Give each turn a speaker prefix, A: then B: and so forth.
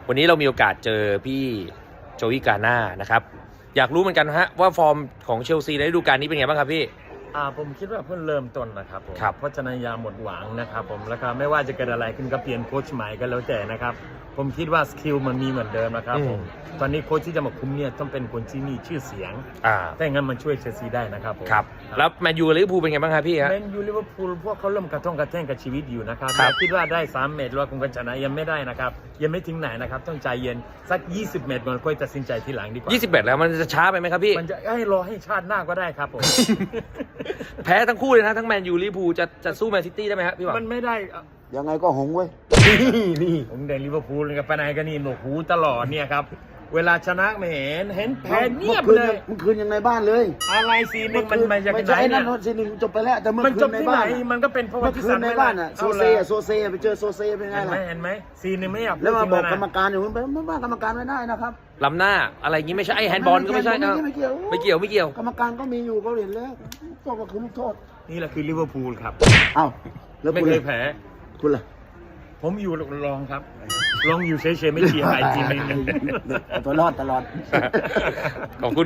A: วันนี้เรามีโอกาสเจอพี่โจอี้กาน่านะครับอยากรู้เหมือนกันฮะว่าฟอร์มของเชลซีในฤดูกาลนี้เป็นไงบ้างครับพี่
B: ผมคิดว่าเพิ่งเริ่มต้นนะครับผม
A: ครับ
B: เพราะฉะนั้นอย่าหมดหวังนะครับผมแล้วก็ไม่ว่าจะเกิดอะไรขึ้นก็เปลี่ยนโค้ชใหม่ก็แล้วแต่นะครับผมคิดว่าสกิลมันมีเหมือนเดิมนะครับผมตอนนี้โค้ชที่จะมาคุมเนี่ยต้องเป็นคนที่มีชื่อเสียงถ้าอย่างนั้นมันช่วยเชลซีได้นะครับผม
A: ครับแล้วแมนยูลิเวอร์พูลเป็นไงบ้างครับพี่ฮะ
B: แมนยูลิเวอร์พูลพวกเขาเริ่มกระท่องกระแท่งกับชีวิตอยู่นะครับ
A: ครับ
B: คิดว่าได้3 เมตรว่าคงจะชนะยังไม่ได้นะครับยังไม่ถึงไหนนะครับต้องใจเย็นสัก20 เมตรก่อนค่อยตัดสินใจทีหลังดีกว่า
A: 21แล้วมันจะช้าไปไหมครับพี่
B: มันจะให้รอให้ชาติหน้าก็ได้ครับผม
A: แพ้ทั้งคู่เลยนะทั้งแมนยูลิเวอร์พูลจะสู้แมนซิตี้ได้ไหมครับพี่หวัง
B: มันไม่ได้
C: ยังไงก็หงเว้ย
B: นี่ผมเดินลิเวอร์พูลกับไปไหนกันนี่หนวกหูตลอดเนี่ยครับเวลาชนะไม่เห็นแพ้เงียบเลย
C: เมื่อคืนยังในบ้านเลย
B: อะไรซีนึงมันมาจาก
C: ไม่
B: ไหน
C: ใช่
B: เนี่
C: นั่
B: ย
C: นซีหนึ่งจบไปแล้วแต่เมื่อ
B: มัน
C: คื
B: จบ
C: นใน
B: ที่ไหน
C: บ้าน
B: มันก็เป็นเพราะว่า
C: เมื่อ
B: ที่
C: คื
B: สั
C: น
B: น
C: ใน
B: ไม่
C: บ้านอ่ะโซเซ่ไปเจอโซเซ่เป็นไงล่ะ
B: เห็นไหมซีนึงไม่อยาก
C: แล้วมาบอกกรรม
B: ร
C: การอยู่ไม่ว่ากรรมการไม่ได้นะครับ
A: ล้ำหน้าอะไรอย่างงี้ไม่ใช่ไอ้แฮนด์บอลก็ไม่ใช่นะ
C: ไม่เกี่ยว
A: ไม่เกี่ยว
C: กรรมการก็มีอยู่เขาเห็นแล้วก็คือลูกโทษ
B: นี่แหละคือลิเวอร์พูลครับ
C: เอ้าแล้ว
B: ไม่
C: คุณ
B: เค
C: ล่ะ
B: ยแพ้
C: คุณล่ะ
B: ผมอยู่รองครับรองอยู่เฉยๆไม่เชียร์ใครทีมนึง
C: ตัวรอดตลอด
A: ขอบคุณ